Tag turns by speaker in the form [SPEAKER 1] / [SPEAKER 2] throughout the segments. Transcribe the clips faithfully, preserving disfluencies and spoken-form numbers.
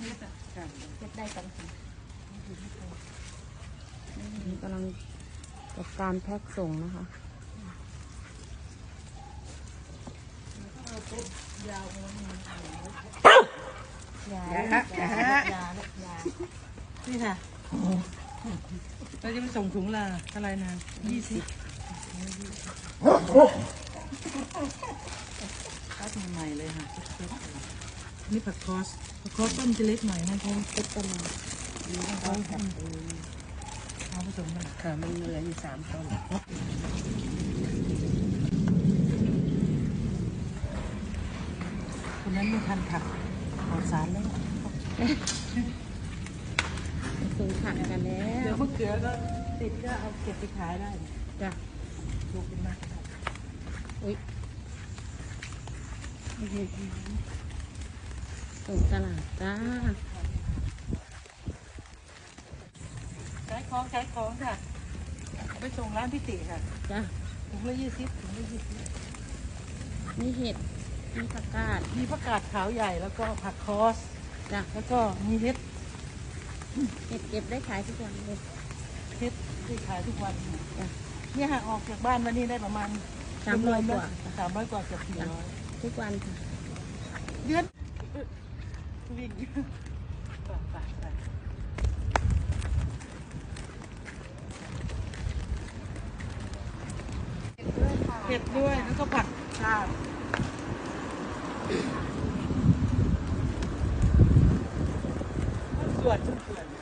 [SPEAKER 1] เก็บได้กัน
[SPEAKER 2] นี่กำลังจัดการแพ็คส่งนะคะ
[SPEAKER 1] ยาวเลยยา
[SPEAKER 3] อย่าฮะอย่าฮะ
[SPEAKER 1] ยาและยา
[SPEAKER 3] นี่ค่ะเราจะไปส่งถุงละอะไรนะยี่สิบคัดใหม่ๆเลยค่ะนี่ผักคอสผักคอสต้นจะเล็กหน่อยนะเพราะเล็กต้นนี่เขาเอาผสมกันค่ะมันเหลืออยู่สามต้นคนนั้นไม่ทันผักขอสารแล้ว
[SPEAKER 2] ส่งผักกันแล้ว
[SPEAKER 3] เดี๋ยวมะเขือก็ติดก็เอาเก็บไปขายได้
[SPEAKER 2] จ้ะ
[SPEAKER 3] ถูกเป็นมาก
[SPEAKER 2] อุ้ยส่งตลาดจ้า
[SPEAKER 3] ขายของขายของค่ะไปส่งร้านพิติค่ะ
[SPEAKER 2] จ้ะ
[SPEAKER 3] ถุงละยี่สิบถุงละยี่สิบ
[SPEAKER 2] มีเห็ดมีผักกาด
[SPEAKER 3] มีผักกาดขาวใหญ่แล้วก็ผักคอส
[SPEAKER 2] จ้ะ
[SPEAKER 3] แล้วก็มีเห็ด
[SPEAKER 2] เห็ดเก็บได้ขายทุกวันเลย
[SPEAKER 3] เห็ดที่ขายทุกวัน
[SPEAKER 2] จ้ะ
[SPEAKER 3] เนี่ยค่ะออกจากบ้านวันนี้ได้ประมาณ
[SPEAKER 2] สามร้อยกว่า
[SPEAKER 3] สามร้อยกว่าเกือบสี่ร้อย
[SPEAKER 2] ทุกวันค่ะ
[SPEAKER 3] เดือนวิ่งเห็ดด้วยแล้วก็ผักชาส่วนส่วน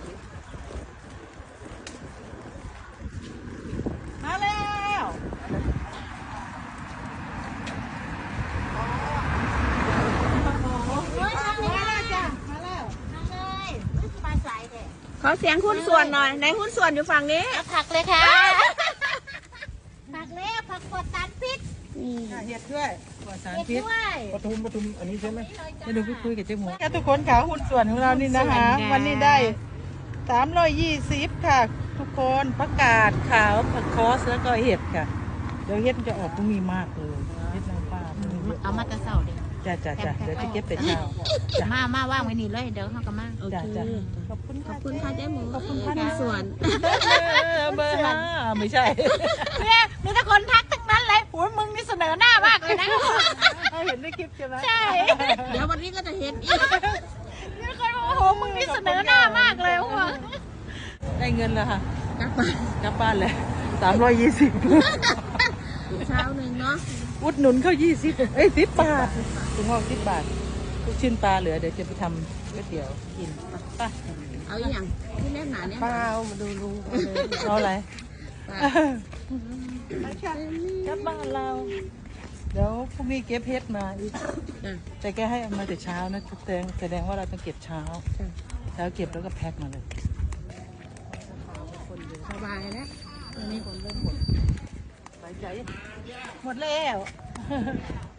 [SPEAKER 3] มาแล้ว
[SPEAKER 2] ขอเสียงหุ้นส่วนหน่อยในหุ้นส่วนอยู่ฝั่งนี้
[SPEAKER 1] ผักเลยค่ะผักเล็กผักกดตันพิษ
[SPEAKER 3] เห็ดด้วยปลอดสารพิษ
[SPEAKER 4] ปทุมปทุมอันนี้ใช่ไหม
[SPEAKER 3] จะดูไปคุยกับเจ๊หมูทุกคนขาหุ้นส่วนของเรานี่นะคะวันนี้ได้สามร้อยยี่สิบค่ะ ทุกคนผักกาดขาวผักคอสแล้วก็เห็ดค่ะเดี๋ยวเห็ดจะออกตรงนี้มากเลยเห็ดนางฟ้า
[SPEAKER 1] เอามาตะเสาเด็ก
[SPEAKER 3] จ้าจ้าจ้าเดี๋ยวจะเก็บแต่เช้า
[SPEAKER 1] มามาว่างไว้นี่เลยเดี๋ยวเขาก็มา
[SPEAKER 2] โอเค
[SPEAKER 3] ขอบคุณ
[SPEAKER 2] ขอบคุณค่ะเจ๊หมู
[SPEAKER 3] ขอบคุณค่ะ
[SPEAKER 2] หุ้นส่วน
[SPEAKER 3] เบอร์ห้าไม่ใช่
[SPEAKER 1] เนี่ยมีแต่คนทักทั้งนั้นเลยโอ้ยมึงนี่เสนอหน้ามากเลยนะ
[SPEAKER 3] เห็นในคลิปใช่ไหม
[SPEAKER 1] ใช่
[SPEAKER 2] เดี๋ยววันนี้ก็จะเห็นอีก
[SPEAKER 1] มีคนบอกโอ้โหมึงนี่เสนอหน้ามากเลยว่ะ
[SPEAKER 3] ได้เงินแล้วค่ะ
[SPEAKER 2] กลับบ้าน
[SPEAKER 3] กลับบ้านเลยสามร้อยยี่สิบ
[SPEAKER 2] เช้าหนึ่งเนาะ
[SPEAKER 3] อุดหนุนเขายี่สิบเอ้ยสิบบาทถุงห่อสิบบาทลูกชิ้นปลาเหลือเดี๋ยวจะไปทำก๋วยเตี๋ยวกินไป
[SPEAKER 2] เอาอย่างที่แน่นหนาเนี่ย
[SPEAKER 3] เปล่ามาดูลุงเอาอะไรกลับบ้านเราเดี๋ยวพรุ่งนี้เก็บเพชรมาอีกแต่แกให้เอามาแต่เช้านะแสดงแสดงว่าเราต้องเก็บเช้าเช้าเก็บแล้วก็แพ็คมาเลย
[SPEAKER 2] สบายแล้วตอนนี้คนเริ่มหมด
[SPEAKER 3] หายใจหมดแล้ว